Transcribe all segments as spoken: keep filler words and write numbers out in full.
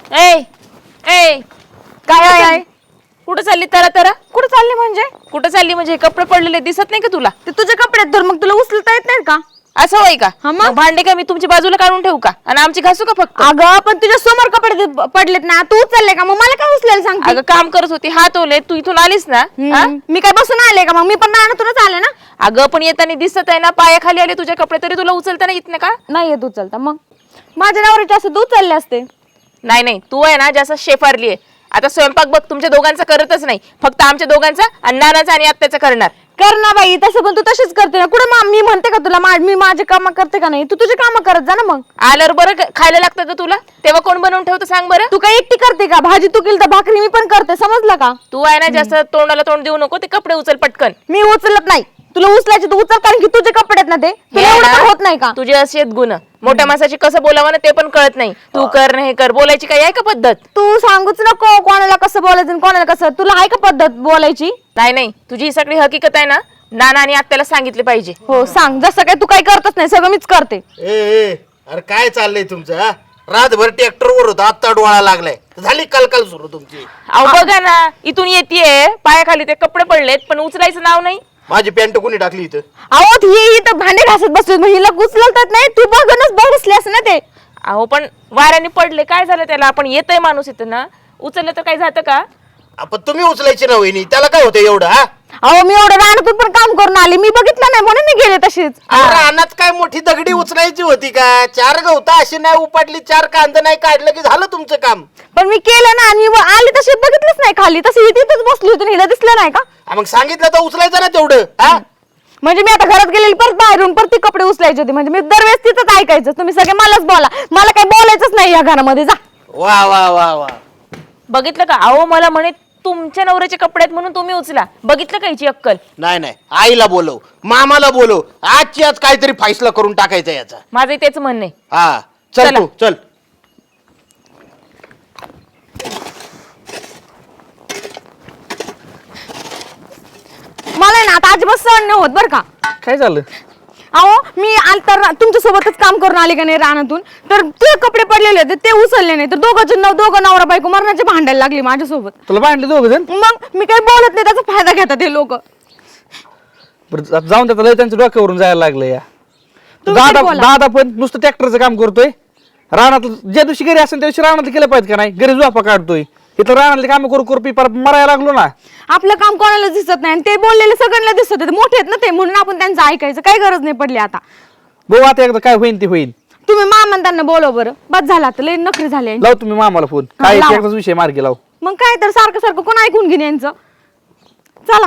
ए ए काय आहे आहे? कुठं चालली तरा तरा कुठं चालली म्हणजे? कुठं चालली म्हणजे हे कपडे पडलेले दिसत नाही का तुला? ते तुझे कपडे आहेत तर मग तुला उचलता येत नाहीत का? असं होय का? हा मग? मग भांडे का मी तुमच्या बाजूला काढून ठेवू का आणि आमची घासू का फक्त? अगं पण तुझ्या समोर कपडे दे- पडलेत ना, तू उचलले का? मग मला काय उचलायला सांगते? अगं काम करत होती हात ओले तू इथून आलीस ना हा? हम्म, मी काय बसून आले का? मग मी पण रानातूनच आले ना. अगं पण येताना दिसत आहे ना पायाखाली आले तुझ्या कपडे तरी तुला उचलता येत नाही का? नाही येत उचलता. मग माझ्या नवऱ्याचे असं तू उचलले असते. नाही नाही तू आहे ना जास्त शेफारली आहे. आता स्वयंपाक बघ तुमच्या दोघांचा करतच नाही, फक्त आमच्या दोघांचा आणि नानाचा आणि आत्याचा करणार. कर ना बाई, तसं पण तू तशीच करते ना. कुठं मा- मी म्हणते का तुला मा- मी माझे काम करते का नाही? तू तुझे काम करत जा ना. मग आल्यावर बरं क- खायला लागतं का तुला? तेव्हा कोण बनवून ठेवतं सांग बरं? तू काय एकटी करते का? भाजी तू केली तर भाकरी मी पण करते, समजलं का? तू आहे ना जास्त तोंडाला तोंड देऊ नको, ते कपडे उचल पटकन. मी उचलत नाही. तुला उचलायचे तू उचल, कारण की तुझे कपडे आहेत ना ते. तुला हे एवढं ना, पण होत नाही का? तुझे असे आहेत गुण. मोठ्या माणसाची कसं बोलावं ना ते पण कळत नाही. तू कर नाही कर, बोलायची काय आहे का पद्धत? तू सांगूच नको कोणाला कसं बोलायचं आणि कोणाला कसं. तुला आहे का पद्धत बोलायची? नाही नाही तुझी ही सगळी हकीकत आहे ना, नाना आणि आत्याला सांगितले पाहिजे. हो सांग. जसं काय तू काही करतच नाही, सगळं मीच करते. ए ए अरे काय चाललंय तुमचं हा? रातभर ट्रॅक्टर वर होता, आत्ता डोळा लागलाय, झाली कलकल सुरू तुमची. अहो बघा ना, इथून येतेय पायाखाली ते कपडे पडलेत पण उचलायचं नाव नाही. माझी पॅन्ट कोणी टाकली इथं? अहो ही इथं भांडे घासत बसली, मग हिला उचलतात नाही. तू बघूनच बसल्यास ना ते. अहो पण वाऱ्याने पडले काय झालं त्याला? आपण येतय माणूस इथं ना, उचललं तर काय जातं का? आपण तुम्ही उचलायची ना वहिनी, त्याला काय होतं एवढं हा? अहो मी एवढं रानातून पण काम करून आली, मी बघितलं नाही म्हणून मी गेले तशीच. अरे रानात काय मोठी दगडी उचलायची होती का? चार गवता अशी नाही उपाटली, चार कांद नाही काढलं की झालं तुमचं काम. पण मी केलं ना, आणि मी आली तशी बघितलंच नाही खाली, तशी तिथंच बसली होती, हिला दिसलं नाही का? हा, मग सांगितलं तर उचलायचं ना तेवढं हा? म्हणजे मी आता घरात गेलेली परत बाहेरून परत ती कपडे उचलायचे होते. म्हणजे मी दरवेळेस तिथंच ऐकायचं, तुम्ही सगळे मलाच बोला, मला काही बोलायचंच नाही या घरामध्ये. जा. वा वा वा वा. बघितलं का? अहो मला म्हणे तुमच्या नवऱ्याचे कपडे आहेत म्हणून तुम्ही उचला. बघितलं का हिची अक्कल? नाही नाही, आईला बोलव, मामाला बोलव, आजची आज काहीतरी फैसला करून टाकायचा याचा. माझं तेच म्हणणं आहे. हा चल चला. तू चल. मला ना आता अजिबात सहन नाही होत बरं का. काय झालं? अहो मी आल तर तुमच्या सोबतच काम करून आले का नाही रानातून, तर ते कपडे पडलेले होते ते उचलले नाही, तर दोघं नव दोघं नवरा बायको मरणाचे भांडायला लागली माझ्यासोबत. तुला भांडले दोघ जण? मग मी काही बोलत नाही, त्याचा फायदा घेतात हे लोक. बरं आता जाऊन त्याचा लय त्यांच्या डोक्यावरून जायला लागलं या. तुम्ही दादा तरी बोला. दादा पण नुसतं ट्रॅक्टरचं काम करतोय. रानात ज्या दिवशी घरी असेल त्या दिवशी रानातलं केलं पाहिजे का नाही? घरी झोपा काढतोय, इथं रानातले काम करू करू पी परत मरायला लागलो ना. आपलं काम कोणाला दिसत नाही आणि ते बोललेले सगळ्यांना दिसत होते, मोठे आहेत ना ते, म्हणून आपण त्यांचं ऐकायचं काही गरज नाही पडली. आता बघू आता एकदा काय होईल ते होईल. तुम्ही मामा त्यांना बोलव बरं, बस झाला आता लय नखरे झाले. लाव तुम्ही मामाला फोन, हा, काय लावा. एकदाच विषय मार्गी लाव. मग काय तर सारखं सारखं कोण ऐकून घेणे यांचं. चला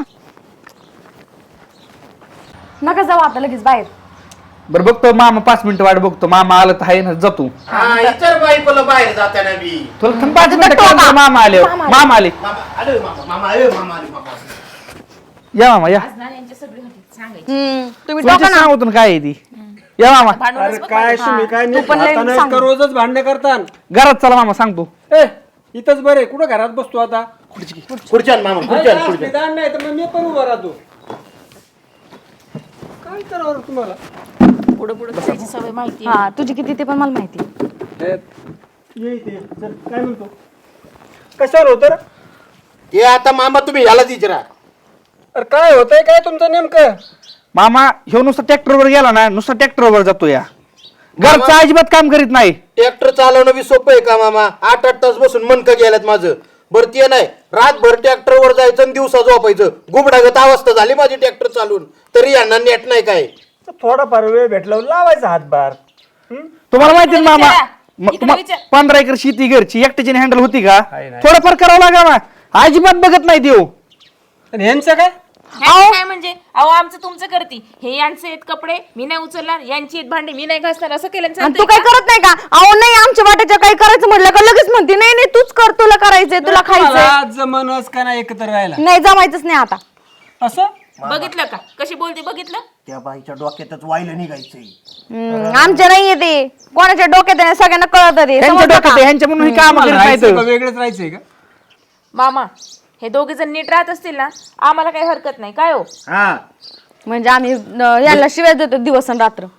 नका जाऊ आता लगेच बाहेर. बरं बघतो मामा, पाच मिनिटं वाट बघतो. मामा आलं तर आहे ना, जातो. हा इतर बायकोला बाहेर जाताना बी तुला थांब पाच मिनिटं काय म्हणतो, मामा आले. मामा आले. मामा आले, मामा मामा आले, मामा आले, मामा आले. या मामा या. हम्म, तुम्ही तुमच्या डोका ना. सांगतो काय आहे ती. या मामा अरे काय तुम्ही काय तू पण लय आता सांग. का रोजच भांडणे करता? घरात चला मामा सांगतो. ए इथंच बरे, कुठं घरात बसतो आता? खुर्च्यान मामा खुर्च्यान अरे, खुर्च्यान. निदान नाही तर मग मी पण उभा राहतो. काय करावं रे तुम्हाला? पुढे पुढे बसायची सवय माहिती. हा तुझी किती ते पण मला माहिती. ए, ये इथे. चल, काय म्हणतो? कशावर होतं रे? हे आता मामा तुम्ही याला विचारा. अरे काय होतंय काय तुमचं नेमकं? मामा ह्यो नुसतं ट्रॅक्टरवर गेला ना, नुसतं ट्रॅक्टरवर जातो या. घरचं अजिबात काम करीत नाही. ट्रॅक्टर चालवणं बी सोपं आहे का मामा? आठ आठ तास बसून मनकं गेल्यात माझं. बरं ते नाही, रातभर ट्रॅक्टरवर जायचं आणि दिवसा झोपायचं. गुबडागत अवस्था झाली माझी ट्रॅक्टर चालून, तरी यांना नेट नाही काय. थोडाफार वेळ भेटला लावायचा हातभार. हं? तुम्हाला माहिती आहे ना मामा, विचारा. म- इकडे तुम्हा- विचार. पंधरा एकर शेती घरची एकट्याची हँडल होती का? आहे ना. थोडंफार करावं लागा ना. अजिबात बघत नाही देऊ. आणि ह्यांचं काय? ह्याचं काय म्हणजे? अहो आमचं तुमचं करती, हे यांचे आहेत कपडे मी नाही उचलणार, यांची आहेत भांडे मी नाही घासणार, असं केलं आणि चालतंय तू काय का? करत नाही का? अहो नाही आमच्या वाट्याच्या काही करायचं म्हटलं का लगेच म्हणते नाही नाही तूच कर, तुला करायचंय, तुला खायचंय. तुम्हाला जमनच का नाही एकत्र राहायला? नाही जमायचंच नाही आता. असं बघितलं का कशी बोलते? बघितलं? त्या बाईच्या डोक्यातच वाहिलं निघायचंय. हम्म, आमच्या नाहीये ते, कोणाच्या डोक्यात आहे, सगळ्यांना कळत ते. ह्यांच्या समजलं डोक्यात का? आहे, ह्यांच्या म्हणून काम तुम्हाला करीत राहायचंय का? नाही. वेगळंच राहायचंय का? मामा हे दोघे जण नीट राहत असतील ना, आम्हाला काही हरकत नाही. काय हो हा म्हणजे आम्ही अं, याला शिवाय देतो दिवस आणि रात्र.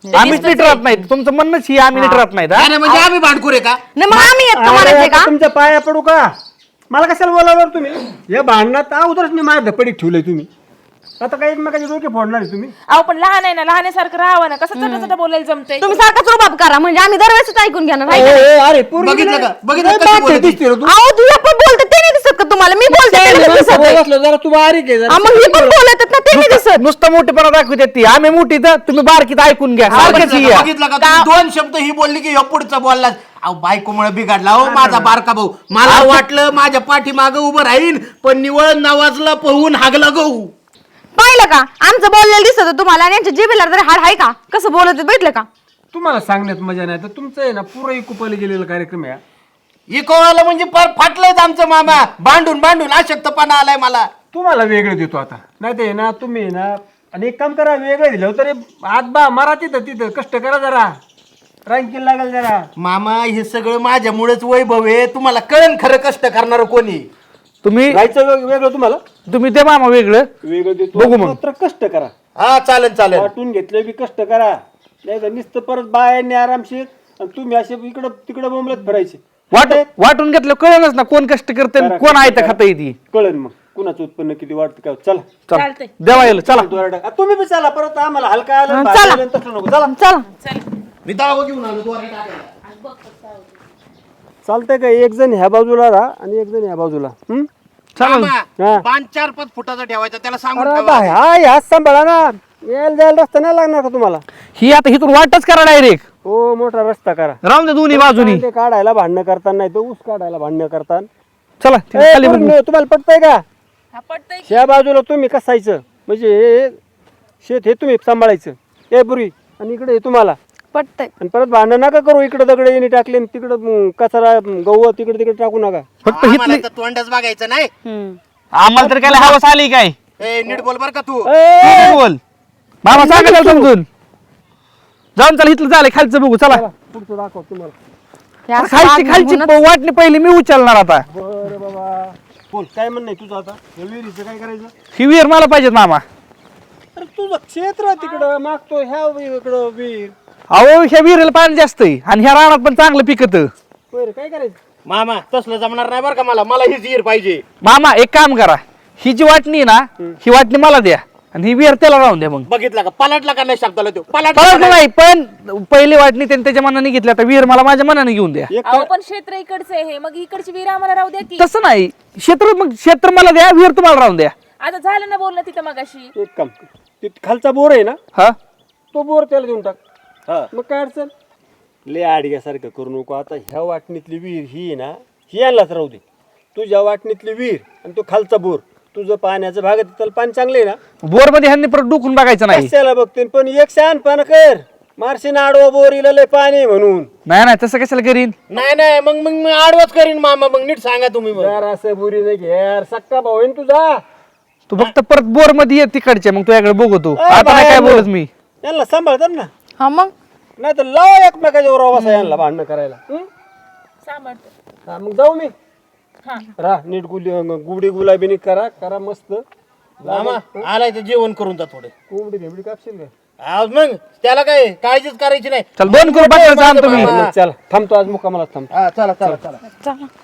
आम्हीच नीट राहत नाही तुमचं म्हणणंच ही आम्ही नीट राहत नाहीत हा? नाही, नाही, म्हणजे आम्ही भांडखोर आहे का? नाही मग आम्ही येत का अरे, म्हणायचे आता का तुमच्या पाया पडू का मला कशाला बोलावलं तुम्ही या भांडणात अगोदरच मी माझ्या धपडीत ठेवलंय तुम्ही आता काही एकमेकाचे डोके फोडणार आहे तुम्ही अहो पण लहान आहे ना लहानासारखं राहावं ना कसं चटा चटा बोलायला जमतंय तुम्ही सारखाच रुबाब करा म्हणजे आम्ही दरवेळेस ऐकून घेणार ए, हाय का? ए, अरे पोरगी बघितलं नाही- का? बघितलं नाही, कशी बाप बोलते? दिसते रे तू. अहो तुझ्या पण बोलतात ते नाही दिसत का तुम्हाला मी बोलते ते नाही दिसत बोलत आहे. असलं जरा तू बारीक आहे जरा. हा, मग ही पण बोलतात ना ते नाही दिसत नुसतं मोठेपणा दाखवते ती आम्ही मोठी तर तुम्ही बारकीत ऐकून घ्या सारखंच बघितलं ही का? आहे. बघितलं का तुम्ही दोन शब्द ही बोलली की ह्यो पुढचा बोलला अहो बायकोमुळे बिघडला हो माझा बारका भाऊ मला वाटलं माझ्या पाठीमागं उभं राहीन पण निवळ नावाजला पळून हागला गहू पाहिलं का आमचं बोललेलं दिसत होतं तुम्हाला आणि यांच्या जिभेला तरी हाड आहे का कसं बोलत होते, बघितलं का तुम्हाला सांगण्यात मजा नाही तर तुमचं आहे ना पुरं कुपाला गेलेला कार्यक्रम आहे इकोवाला म्हणजे पार फाटलंच आमचं मामा भांडून भांडून अशक्तपणा आलाय मला तुम्हाला वेगळं देतो आता नाही ते ना तुम्ही आहे ना आणि एक काम करा वेगळं दिलं तरी आत बा मारा तिथं तिथं कष्ट करा जरा रँकिंग लागेल जरा मामा हे सगळं माझ्यामुळेच वैभव आहे तुम्हाला कळण खरं कष्ट करणार कोणी तुम्ही राहायचं वेग- वेगळं तुम्हाला तुम्ही ते मामा वेगळं वेगळं देतो बघू मग. मात्र कष्ट करा हा चालेल चालेल वाटून घेतले बी कष्ट करा नाही तर नुसतं परत बायांनी आरामशीर आणि तुम्ही असे इकडं तिकडं बोंबलत फिरायचे वाट वाटून घेतलं कळलंच ना कोण कष्ट करते आणि कोण आहे तर खाता येते कळन मग कुणाचं उत्पन्न किती वाटतं काय चला चालतंय देवा येईल चला दोरडा. आ, तुम्ही बी चला परत आम्हाला हलका आलं हा, भाजी चला. आलं, तसं नको चला चला मी दावा घेऊन आलो दोरे टाकायला. चालतंय का एक जण ह्या बाजूला राहा आणि एक जण ह्या बाजूला हं? चालेल हा. मामा, पाच चार पाच फुटाचा ठेवायचा त्याला सांगून अरे ठेवा. बा, हा ह्या सांभाळा ना यायला जायला रस्ता नाही लागणार का तुम्हाला ही आता हिथून वाटच करा डायरेक्ट हो मोठा रस्ता करा राहून दे दोन्ही बाजूनी ते काढायला भांडणं करताना नाही तर ऊस काढायला भांडणं करताना चला ए, तिथे खाली पोरींनो, बघू. तुम्हाला पटतंय का हा पटतंय ह्या बाजूला तुम्ही कसायचं म्हणजे हे शेत हे तुम्ही सांभाळायचं ए पुरी आणि इकडे हे तुम्हाला पटतंय आणि परत भांडण नका करू इकडे दगड येणे टाकले आणि तिकडं म, कचरा म, गहू तिकडे तिकडे टाकू नका फक्त आम्हाला हिथली तर तोंडच बघायचं नाही आम्हाला तर काय हवस आली काय ए नीट बोल बर का तू ए, तू बोल मामा सांगा त्याला समजून जाऊन चला इथलं झालं खालचं बघू चला पुढचं दाखव तुम्हाला हे असं खालची वागणं खालची म्हणून- वाटणी पहिली मी उचलणार आता बरं बाबा बोल काय म्हणणं आहे तुझं आता या विहिरीचं काय करायचं ही विहीर मला पाहिजेत मामा अरे तुझं क्षेत्र तिकडं मागतो ह्या इकडं विहीर अहो ह्या विहिरीला पाणी जास्त आहे आणि ह्या रानात पण चांगलं पिकत बरं काय करायचं मामा तसलं जमणार नाही बरं का मला मला हीच हीर पाहिजे मामा एक काम करा ही जी वाटणी आहे ना ही वाटणी मला द्या आणि ही विहीर त्याला राहून द्या मग बघितला का पलटला का नाही शब्दाला तो परत पलटला नाही पण पहिली वाटणी त्यांनी त्याच्या मनाने घेतली आता विहीर मला माझ्या मनाने घेऊन द्या एक अहो पण क्षेत्र इकडचं आहे हे मग इकडची विहीर आम्हाला राहू द्या की तसं नाही क्षेत्र मग क्षेत्र मला द्या विहीर तुम्हाला राहून द्या आता झालं ना बोलणं तिथं मगाशी एक काम ते खालचा बोर आहे ना हा तो बोर त्याला देऊन टाक मग काय अडचण ले आडग्यासारखं करू नको आता ह्या वाटणीतली विहीर ही आहे ना ही आणलाच राहू दे तुझ्या वाटणीतली विहीर आणि तो खालचा बोर तुझं पाण्याचं भाग आहे, त्याला पाणी चांगलं आहे ना बोर मध्ये ह्यांनी परत डुकून बघायचं नाही कशाला बघते पण एक शहाणपण कर मारशीन आडवा बोर इला लय पाणी आहे म्हणून नाही नाही तसं कशाला करीन नाही नाही मग मग मी आडवच करीन मामा मग नीट सांगा तुम्ही मग यार असं बुरी नाही घेर सक्का भाऊ आहे ना तुझा तू फक्त परत बोर मध्ये ये तिकडचे मग तुझ्याकडे बघतो ए, आता नाही काय बाहेर बोलत मी यांना सांभाळतात ना हा मग नाही तर लाव एकमेकाच्या बरोबर बसा यांना भांडणं करायला हं? सांभाळतो हा, मग जाऊ मी हा रा नीट गुली गुबडी गुलाबीनी करा करा मस्त मामा आलाय तर जेवण करून जा थोडे कोंबडी भेंबडी कापशील का आज मग त्याला काय काळजीच करायची नाही चल दोन करून पाठवायचं आण तुम्ही चला थांबतो आज मुक्कामाला थांबतो हा चला चला चला चला